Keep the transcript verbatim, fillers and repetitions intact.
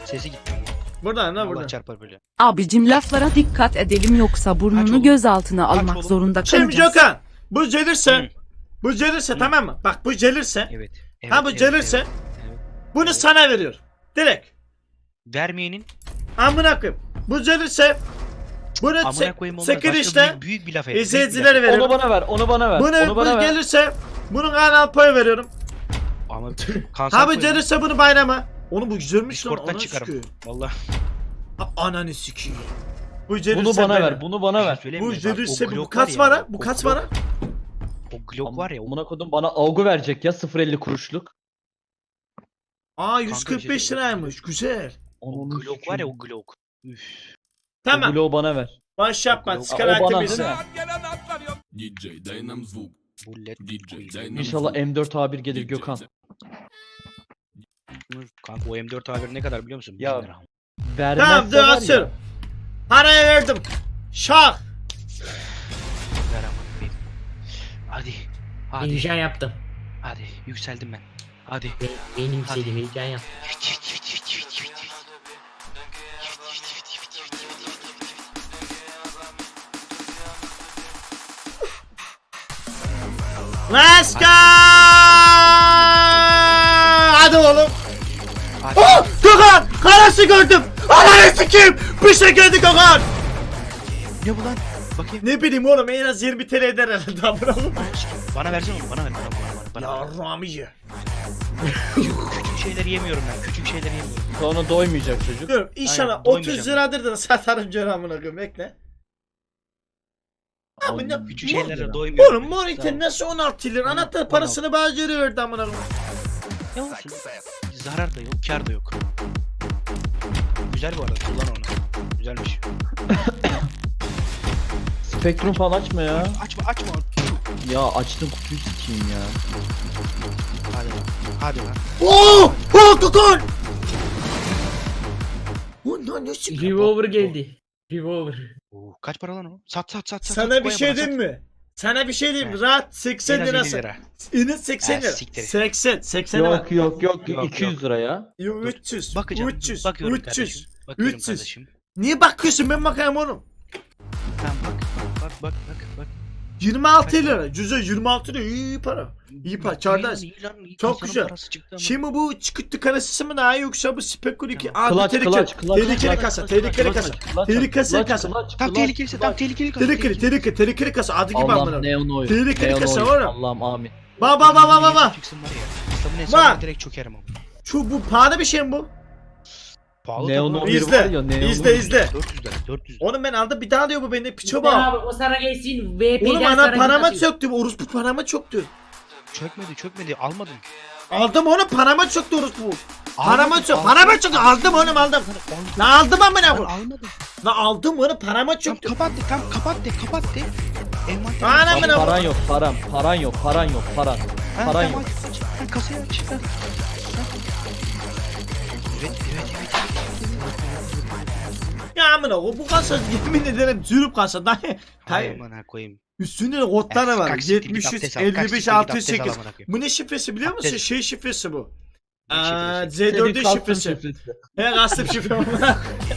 Sesi gitti. Buradan ne Allah buradan? çarpar böyle. Abicim laflara dikkat edelim yoksa Aç burnunu oğlum. gözaltına Aç almak oğlum. zorunda Şimdi kalacağız. Gökhan. Bu gelirse. Hı. Bu gelirse Hı. tamam mı? Bak bu gelirse. Evet. evet Ha bu evet, gelirse. evet, evet. Bunu Evet. sana veriyor. Direkt. Vermeyenin Amına koyayım. Bu gelirse. Bunu amına koyayım olmaz. sekir Başka işte. büyük, büyük bir laf et. büyük bir İzleyicilere laf et. Onu veriyorum. bana ver, onu bana ver. Bunu onu bu bana ver. gelirse. Bunun kanal payı veriyorum. Ama kanser Ha bu koyma. gelirse bunu bayrama. Onu bu güzelmiş lan. Discord'dan Ananı çıkarım. sikeyim. Valla. Ha, ananı sikeyim. Bu gelirse Bunu bana benim. ver, bunu bana ver. Söyleyeyim Bu mi? Bak, o gelirse bu Glock kaç var var ya, ha? Bu o kaç Glock- var ha? O Glock var ya. O Buna kodum bana algı verecek ya sıfır elli kuruşluk. Aa Kanka yüz kırk beş bir şey liraymış. Güzel. O Glock var ya o Glock. Üf. Tamam. O bloğu bana ver. Baş yapma. O Çıkar O bana aktivisi. değil mi? D J daj nam zvuk. Bu led. D J daj nam İnşallah zvuk. M dört A bir gelir D J Gökhan. daj- Kanka o M dört A bir ne kadar biliyor musun? Ya, Bin lira. Vermezse Tamam dur var ya. atıyorum. Parayı verdim. Şah. Ver ama. bir. Hadi. Hadi. Heyecan yaptım. Hadi. Yükseldim ben. Hadi. Be benim istediğim heyecan yaptım. Let's go. Hadi oğlum. Hadi. Oh! Gökhan! Karası gördüm. Ananı sikeyim. Bir şey geldi Gökhan. Ne bu lan? Bakayım. Ne bileyim oğlum en az yirmi T L eder herhalde. Amına koyayım. Bana versene onu. Bana ver. Bana, bana, bana, bana. Ya Ramiye. Küçük şeyleri yemiyorum ben. Küçük şeyleri yemiyorum. Sonra doymayacak çocuk. Dur inşallah Aynen, otuz doymayacağım. liradır da satarım canım amına koyayım bekle. Abi ne? Küçük Mor- şeylere doymuyorum. Oğlum Morite nasıl on altı lira? Anahtar parasını bana geri verdi amına koyayım. Ne olsun? Zarar da yok, kar da yok. Güzel bu arada. Kullan onu. Güzelmiş. Spektrum falan açma ya. Açma, açma. Ya açtım kutuyu sikeyim ya. Hadi lan. Hadi lan. Oo! Oh Gökhan! Ondan ne çıktı? Revolver geldi. Revolver. Oo, kaç para lan o? Sat sat sat sat. Sana sat, bir koy şey bana, diyeyim sat. mi? Sana bir şey diyeyim mi? He. Rahat seksen En az elli lirası. lira. İnin seksen Ha, lira. siktir. seksen, seksen lira. Yok yok yok Yok, iki yüz lira ya. Yo, üç yüz. Bakacağım. üç yüz. Bakıyorum üç yüz. kardeşim. Bakıyorum üç yüz. kardeşim. Niye bakıyorsun ben bakayım oğlum? Tamam bak bak bak bak bak bak. yirmi altı lira. Cüze yirmi altı lira iyi para. İyi para. Çağdaş. İyi lan, iyi. Çok Kasanın güzel. parası çıktı ama. Şimdi bu çıkıntı karası mı daha iyi yoksa bu spekül iki? Aa Kılaç, tehlikeli. kılaç, kılaç, Tehlikeli kılaç, kasa. kılaç, Tehlikeli Kılaç kasa. aç, kılaç aç, Tehlikeli kılaç, kasa. kılaç, Tam kılaç, tehlikeliyse tam kılaç. tehlikeli kasa. Tehlikeli, tehlikeli, tehlikeli kasa. Adı gibi Allah'ım amına. neon oy. Tehlikeli Neon kasa oy. oğlum. Allah'ım amin. Ba ba ba ba ba ba. Çıksın var ya. İslam'ın hesabına direkt çökerim ama. Şu bu pahalı bir şey mi bu? Pahalı Neon da bu. oy İzle, var ya neon izle, oy. izle. dört yüz lira dört yüz lira. Oğlum ben aldım bir daha diyor bu bende piço İşte bak. abi o sana gelsin. V P'den Oğlum ana sonra parama git atıyor. çöktü. Orospu parama çöktü. Çökmedi çökmedi almadım. Aldım onu parama çöktü orospu. Parama Almadım, çöktü. aldım. Parama çöktü. Aldım oğlum aldım. La aldım amına Ben koyayım. almadım. La aldım onu parama Tam çöktü. kapat de tam kapat de kapat de. Envanter. Ana Lan amına paran yok paran paran yok paran yok paran. paran yok. Aç, aç. Ha, kasayı aç. Ha. Ha. Evet evet evet. Ya amına koyayım bu kasa yemin ederim zürüp kasa. Daha Hay Hayır. amına koyayım. Üstünde de kodları var. Kalk siktir git yetmiş üç abdest al, kalk elli siktir beş git altı abdest al sekiz. amına koyayım. Bu ne şifresi biliyor musun? Abdest. Şey şifresi bu. Ne Aa, şifresi? Z dörd'ün Senin kastın şifresi. şifresi. He kastım şifre.